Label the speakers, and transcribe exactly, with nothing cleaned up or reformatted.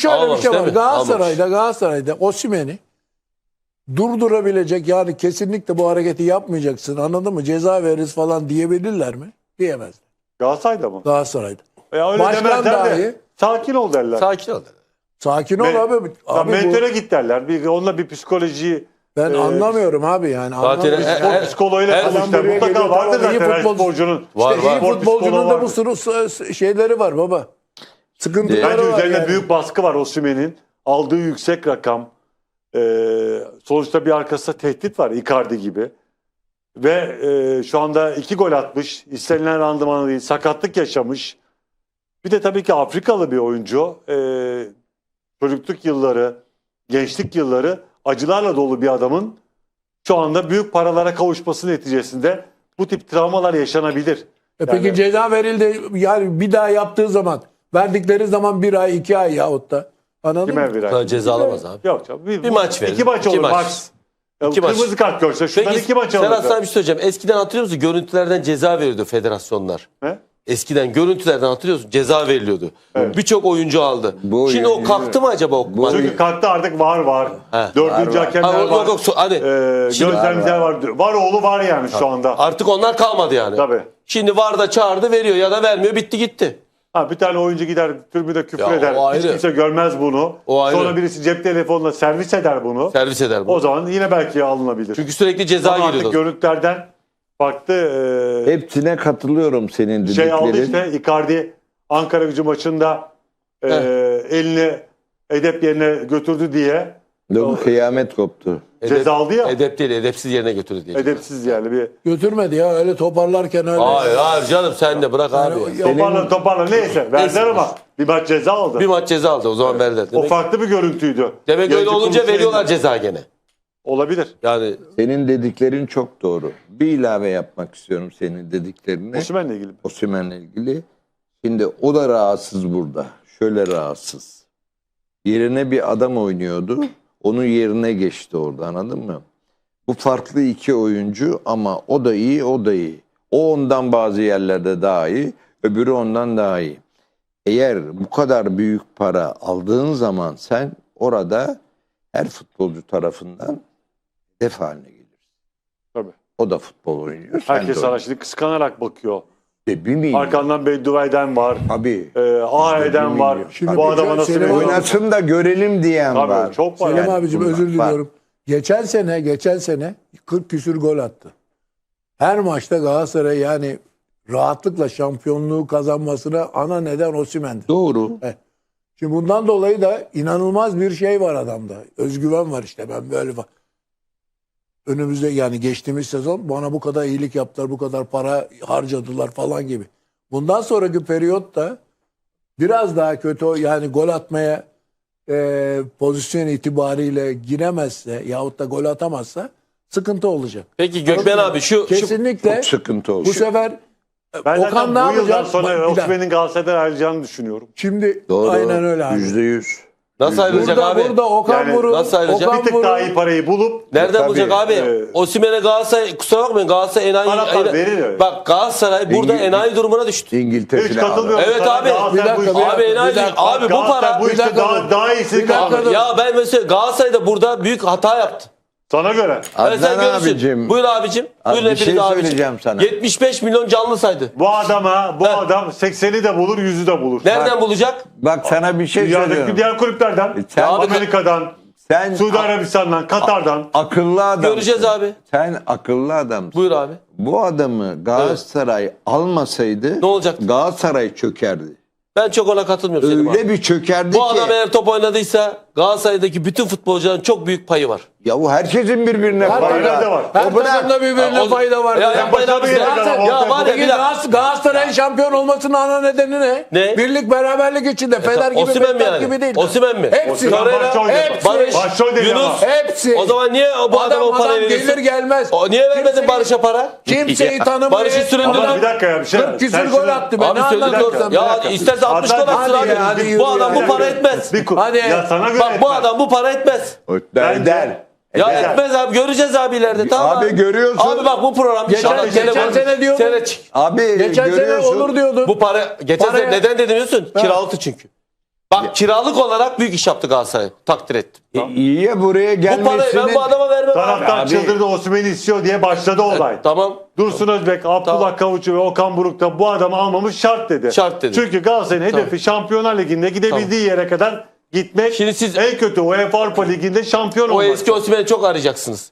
Speaker 1: şöyle
Speaker 2: Almamış,
Speaker 1: bir şey var.
Speaker 2: değil mi?
Speaker 1: Galatasaray'da Galatasaray'da Osimhen'i durdurabilecek, yani kesinlikle bu hareketi yapmayacaksın, anladın mı? Ceza veririz falan diyebilirler mi? Diyemezler.
Speaker 3: Galatasaray'da mı?
Speaker 1: Galatasaray'da.
Speaker 3: Ya öyle
Speaker 1: Başkan
Speaker 3: demezler
Speaker 1: dahi
Speaker 3: de sakin ol derler.
Speaker 2: Sakin ol.
Speaker 1: sakin ol
Speaker 3: Me-
Speaker 1: abi.
Speaker 3: Ya
Speaker 1: Abi bu-
Speaker 3: mentöre git derler. Bir, onunla bir psikolojiyi
Speaker 1: ben
Speaker 3: e,
Speaker 1: anlamıyorum abi yani.
Speaker 2: Zaten
Speaker 1: Anlamıyorum.
Speaker 2: e-
Speaker 3: spor
Speaker 2: e-
Speaker 3: psikoloğuyla
Speaker 2: her-
Speaker 3: konuşlar.
Speaker 1: buraya
Speaker 3: Mutlaka
Speaker 1: geliyor,
Speaker 3: vardır
Speaker 1: tamam, iyi
Speaker 3: zaten her
Speaker 1: futbol-
Speaker 3: sporcunun.
Speaker 2: Var,
Speaker 1: İşte
Speaker 2: var.
Speaker 1: iyi
Speaker 3: Spor
Speaker 1: futbolcunun
Speaker 3: psikoloğu
Speaker 1: da bu
Speaker 3: vardır.
Speaker 1: sürü s- şeyleri var baba. Sıkıntıları
Speaker 3: Bence
Speaker 1: var
Speaker 3: üzerine
Speaker 1: yani.
Speaker 3: büyük baskı var Osimhen'in. Aldığı yüksek rakam. Ee, sonuçta bir arkasında tehdit var Icardi gibi. Ve e, şu anda iki gol atmış. İstenilen randımanı değil. Sakatlık yaşamış. Bir de tabii ki Afrikalı bir oyuncu. Ee, çocukluk yılları, gençlik yılları acılarla dolu bir adamın şu anda büyük paralara kavuşması neticesinde bu tip travmalar yaşanabilir.
Speaker 1: E peki
Speaker 3: Yani-
Speaker 1: ceza verildi, yani bir daha yaptığı zaman, verdikleri zaman bir ay iki ay yahut da, anladın
Speaker 3: Kime
Speaker 1: mı?
Speaker 3: bir ay?
Speaker 2: Sana ceza alamaz abi.
Speaker 3: Yok canım. Bir,
Speaker 2: Bir maç verin.
Speaker 3: İki maç
Speaker 2: İki
Speaker 3: olur
Speaker 2: maç.
Speaker 3: max. Ya
Speaker 2: İki maç.
Speaker 3: kırmızı kart görse şuradan
Speaker 2: Peki
Speaker 3: iki maç
Speaker 2: Serhat
Speaker 3: alır.
Speaker 2: sana bir şey söyleyeceğim. Eskiden hatırlıyor musun? Görüntülerden ceza veriyordu federasyonlar.
Speaker 3: Ne?
Speaker 2: Eskiden görüntülerden hatırlıyorsun, ceza veriliyordu.
Speaker 3: Evet.
Speaker 2: Birçok oyuncu aldı.
Speaker 4: Bu
Speaker 2: Şimdi o
Speaker 4: oyuncu-
Speaker 2: kalktı mı acaba o
Speaker 4: Bu
Speaker 2: maç?
Speaker 3: Çünkü kalktı artık var var.
Speaker 2: He.
Speaker 3: Dördüncü
Speaker 4: Var, var.
Speaker 3: hakemler
Speaker 2: Ha,
Speaker 3: var.
Speaker 2: yok, yok, so- hani
Speaker 3: Ee,
Speaker 2: şimdi-
Speaker 3: gözlemciler var. Var oğlu var yani şu anda.
Speaker 2: Artık onlar kalmadı yani.
Speaker 3: Tabii.
Speaker 2: Şimdi V A R'da çağırdı, veriyor ya da vermiyor, bitti gitti.
Speaker 3: Ha, bir tane oyuncu gider tribüde küfür
Speaker 2: Ya,
Speaker 3: eder.
Speaker 2: o
Speaker 3: Hiç
Speaker 2: ayrı.
Speaker 3: kimse görmez bunu.
Speaker 2: O ayrı.
Speaker 3: Sonra birisi cep telefonla servis eder bunu.
Speaker 2: Servis eder bu.
Speaker 3: O zaman yine belki alınabilir.
Speaker 2: Çünkü sürekli ceza
Speaker 3: Ama artık
Speaker 2: geliyordu.
Speaker 3: görüntülerden baktı. E,
Speaker 4: Hepsine katılıyorum senin
Speaker 3: şey aldı
Speaker 4: dediklerin.
Speaker 3: işte Icardi Ankara Gücü maçında e, elini edep yerine götürdü diye
Speaker 4: Yok, kıyamet koptu.
Speaker 3: ceza aldı ya.
Speaker 2: Edep değil, edepsiz yerine götürdü diye.
Speaker 3: Edepsiz yani bir
Speaker 1: Götürmedi ya, öyle toparlarken öyle.
Speaker 2: Hayır, hayır canım sen de bırak abi.
Speaker 1: Yani
Speaker 2: ya.
Speaker 1: o-
Speaker 3: toparla toparla neyse verdiler
Speaker 2: Neyse.
Speaker 3: ama bir maç ceza aldı.
Speaker 2: Bir maç ceza aldı, o zaman verdiler.
Speaker 3: O
Speaker 2: Demek,
Speaker 3: farklı bir görüntüydü.
Speaker 2: demek öyle
Speaker 3: Yönetim
Speaker 2: olunca
Speaker 3: kurulu
Speaker 2: veriyorlar
Speaker 3: şeyinde-
Speaker 2: ceza gene.
Speaker 3: Olabilir.
Speaker 2: Yani
Speaker 4: Senin dediklerin çok doğru. Bir ilave yapmak istiyorum senin dediklerine.
Speaker 3: Osimhen'le ilgili.
Speaker 4: Osimhen'le ilgili. Şimdi o da rahatsız burada. Şöyle rahatsız. Yerine bir adam oynuyordu. Onun yerine geçti orada, anladın mı? Bu farklı iki oyuncu ama o da iyi, o da iyi. O ondan bazı yerlerde daha iyi, öbürü ondan daha iyi. Eğer bu kadar büyük para aldığın zaman sen orada her futbolcu tarafından hedef haline gelirsin.
Speaker 3: Tabii.
Speaker 4: O da futbol oynuyor. sen
Speaker 3: Herkes
Speaker 4: de
Speaker 3: sana
Speaker 4: oynuyorsun.
Speaker 3: şimdi kıskanarak bakıyor.
Speaker 4: İşte bir milyon.
Speaker 3: Arkandan beddua eden var.
Speaker 4: Abi.
Speaker 3: E, ah eden var.
Speaker 1: Şimdi
Speaker 3: Bu
Speaker 1: bir
Speaker 3: adama
Speaker 1: şey-
Speaker 3: nasıl
Speaker 1: Selim
Speaker 3: veriyor?
Speaker 4: Oynasın da görelim diyen
Speaker 3: Tabii,
Speaker 4: var.
Speaker 3: çok var.
Speaker 1: Selim
Speaker 3: Yani
Speaker 1: abicim
Speaker 4: bunlar
Speaker 1: özür
Speaker 4: var.
Speaker 1: diliyorum. Geçen sene, geçen sene kırk küsür gol attı. Her maçta Galatasaray yani rahatlıkla şampiyonluğu kazanmasına ana neden Osimhen'di.
Speaker 4: Doğru.
Speaker 1: Şimdi bundan dolayı da inanılmaz bir şey var adamda. Özgüven var işte, ben böyle bak. Önümüzde yani geçtiğimiz sezon bana bu kadar iyilik yaptılar, bu kadar para harcadılar falan gibi. Bundan sonraki periyotta biraz daha kötü, yani gol atmaya e, pozisyon itibariyle giremezse yahut da gol atamazsa sıkıntı olacak.
Speaker 2: peki Gökmen abi şu, şu
Speaker 1: Kesinlikle
Speaker 4: Çok sıkıntı olur.
Speaker 1: bu sefer
Speaker 3: Ben
Speaker 1: Okan
Speaker 3: zaten
Speaker 1: ne
Speaker 3: bu yıldan
Speaker 1: yapacak?
Speaker 3: sonra
Speaker 1: Bak, bir dakika.
Speaker 3: Osimhen'in Galatasaray'dan ayrılacağını düşünüyorum.
Speaker 1: Şimdi
Speaker 4: Doğru.
Speaker 1: aynen öyle abi.
Speaker 4: Yüzde yüz.
Speaker 2: nasıl ayrılacak
Speaker 1: Burada,
Speaker 2: abi?
Speaker 1: burada Okan
Speaker 3: Yani
Speaker 1: Buruk,
Speaker 2: nasıl ayrılacak?
Speaker 1: Okan
Speaker 3: Bir tık
Speaker 1: Buruk-
Speaker 3: daha iyi parayı bulup
Speaker 2: Nereden
Speaker 4: Tabii,
Speaker 2: bulacak abi?
Speaker 3: e,
Speaker 2: Osimhen'e Galatasaray, kusura bakmayın Galatasaray enayi.
Speaker 3: Araplar
Speaker 2: enayi-
Speaker 3: verir öyle.
Speaker 2: Bak Galatasaray burada
Speaker 4: İngiliz-
Speaker 2: enayi durumuna düştü.
Speaker 4: İngiltere
Speaker 3: hiç
Speaker 4: filan.
Speaker 3: katılmıyorum.
Speaker 2: Evet
Speaker 3: sana.
Speaker 2: abi,
Speaker 3: Galatasaray
Speaker 1: bir dakika,
Speaker 3: bu
Speaker 1: bir
Speaker 3: işte-
Speaker 1: dakika.
Speaker 2: Abi enayi.
Speaker 1: dakika.
Speaker 2: Abi bu
Speaker 3: Galatasaray
Speaker 2: para.
Speaker 3: bu
Speaker 1: Bir
Speaker 3: işte
Speaker 1: dakika
Speaker 3: daha,
Speaker 1: dur.
Speaker 3: daha iyisi
Speaker 1: Bir dakika
Speaker 3: kaldı.
Speaker 1: dur.
Speaker 2: Ya ben mesela Galatasaray'da burada büyük hata yaptı.
Speaker 3: Sana göre.
Speaker 2: Evet, sen
Speaker 4: Adnan
Speaker 2: görürsün.
Speaker 4: abicim.
Speaker 2: Buyur abicim.
Speaker 4: Abi
Speaker 2: Buyurun
Speaker 4: bir şey
Speaker 2: hepiniz abicim.
Speaker 4: söyleyeceğim sana.
Speaker 2: yetmiş beş milyon canlı saydı.
Speaker 3: Bu adama, bu
Speaker 2: Heh.
Speaker 3: adam sekseni de bulur, yüzü de bulur.
Speaker 2: Nereden bulacak?
Speaker 4: Bak sana bir şey
Speaker 3: Dünyadaki
Speaker 4: söylüyorum.
Speaker 3: diğer kulüplerden,
Speaker 4: Sen-
Speaker 3: Amerika'dan,
Speaker 4: Sen
Speaker 3: Suudi Arabistan'dan, Katar'dan.
Speaker 4: akıllı adam.
Speaker 2: Göreceğiz abi.
Speaker 4: Sen akıllı adamsın.
Speaker 2: Buyur abi.
Speaker 4: Bu adamı Galatasaray almasaydı
Speaker 2: Ne olacaktı?
Speaker 4: Galatasaray çökerdi.
Speaker 2: Ben çok ona katılmıyorum Selim
Speaker 4: Öyle
Speaker 2: abi.
Speaker 4: bir çökerdi
Speaker 2: Bu
Speaker 4: ki.
Speaker 2: adam eğer top oynadıysa Galatasaray'daki bütün futbolcuların çok büyük payı var.
Speaker 4: Yahu herkesin birbirine
Speaker 1: Her
Speaker 4: payı
Speaker 3: takımda var.
Speaker 1: Her
Speaker 4: O bırak.
Speaker 1: takımda birbirine
Speaker 2: O-
Speaker 1: fayda var.
Speaker 2: Ya
Speaker 1: Ya,
Speaker 2: yapmayın abi.
Speaker 3: başarı
Speaker 2: Ya,
Speaker 3: gelecek
Speaker 2: ya
Speaker 3: adam
Speaker 2: var ya
Speaker 1: Peki
Speaker 2: bir dakika.
Speaker 1: Galatasaray- Galatasaray'ın şampiyon olmasının ana nedeni ne?
Speaker 2: Ne?
Speaker 1: Birlik beraberlik içinde. Fener gibi,
Speaker 2: Osimhen mi
Speaker 1: Beşiktaş
Speaker 2: yani?
Speaker 1: gibi değil.
Speaker 2: Osimhen mi?
Speaker 1: Hepsi.
Speaker 3: Osimhen başta oynadı.
Speaker 1: hepsi.
Speaker 2: Barış,
Speaker 3: Başrol dedi
Speaker 2: Yunus.
Speaker 3: ama.
Speaker 1: Hepsi.
Speaker 2: O zaman niye bu
Speaker 1: adam,
Speaker 2: adama o
Speaker 1: adam
Speaker 2: parayı veriyorsun?
Speaker 1: gelir gelmez.
Speaker 2: O niye vermedin
Speaker 1: Kimseyi-
Speaker 2: Barış'a para?
Speaker 1: Kimseyi tanımıyor.
Speaker 2: Barış'ı süründürdün.
Speaker 3: Ama bir dakika ya bir şey.
Speaker 1: kırk küsür
Speaker 3: Sen
Speaker 1: gol
Speaker 3: şimdi-
Speaker 1: attı. Ben
Speaker 2: Abi
Speaker 1: ne
Speaker 2: söyledik
Speaker 1: anlatıyorum
Speaker 2: orada.
Speaker 1: sana? Bir
Speaker 2: Ya
Speaker 1: dakika.
Speaker 2: isterse altmış gol
Speaker 3: Adnan,
Speaker 2: atsın
Speaker 1: hadi
Speaker 2: abi.
Speaker 1: ya, hadi yürü
Speaker 2: Bu adam
Speaker 1: ya.
Speaker 2: bu para etmez.
Speaker 3: Bir,
Speaker 1: Hadi.
Speaker 3: ya sana göre
Speaker 2: Bak bu
Speaker 3: etmez.
Speaker 2: adam bu para etmez.
Speaker 4: Der,
Speaker 3: Bence-
Speaker 4: der.
Speaker 2: Ya
Speaker 3: Eder.
Speaker 2: etmez abi, göreceğiz abi ileride, tamam
Speaker 4: Abi görüyorsun.
Speaker 2: Abi bak bu program
Speaker 1: Geçen-
Speaker 2: inşallah
Speaker 1: geçen
Speaker 2: telefon-
Speaker 1: sene diyordun.
Speaker 2: sene çık-
Speaker 4: Abi
Speaker 1: Geçen sene
Speaker 4: görüyorsun.
Speaker 1: olur diyordun.
Speaker 2: Bu para geçen
Speaker 1: Paraya-
Speaker 2: sene neden dedim biliyorsun? Kiralıktı çünkü. Bak kiralık olarak büyük iş yaptı Galatasaray. Takdir ettim.
Speaker 4: E, iyi ya buraya
Speaker 2: Bu parayı ben
Speaker 4: gelmesinin...
Speaker 2: bu adama vermem abi.
Speaker 3: Taraftar
Speaker 4: Abi-
Speaker 3: çıldırdı, Osimhen'i istiyor diye başladı olay.
Speaker 2: Tamam.
Speaker 3: Dursun Özbek, Abdullah
Speaker 2: Tamam.
Speaker 3: Kavuçu ve Okan Buruk da bu adamı almamız şart dedi.
Speaker 2: Şart dedi.
Speaker 3: Çünkü Galatasaray'ın
Speaker 2: Tamam.
Speaker 3: hedefi Şampiyonlar Ligi'nde gidebildiği yere kadar gitmek.
Speaker 2: Şimdi siz-
Speaker 3: en kötü UEFA Avrupa Ligi'nde şampiyon
Speaker 2: O
Speaker 3: olmak.
Speaker 2: eski Osimhen'i çok arayacaksınız.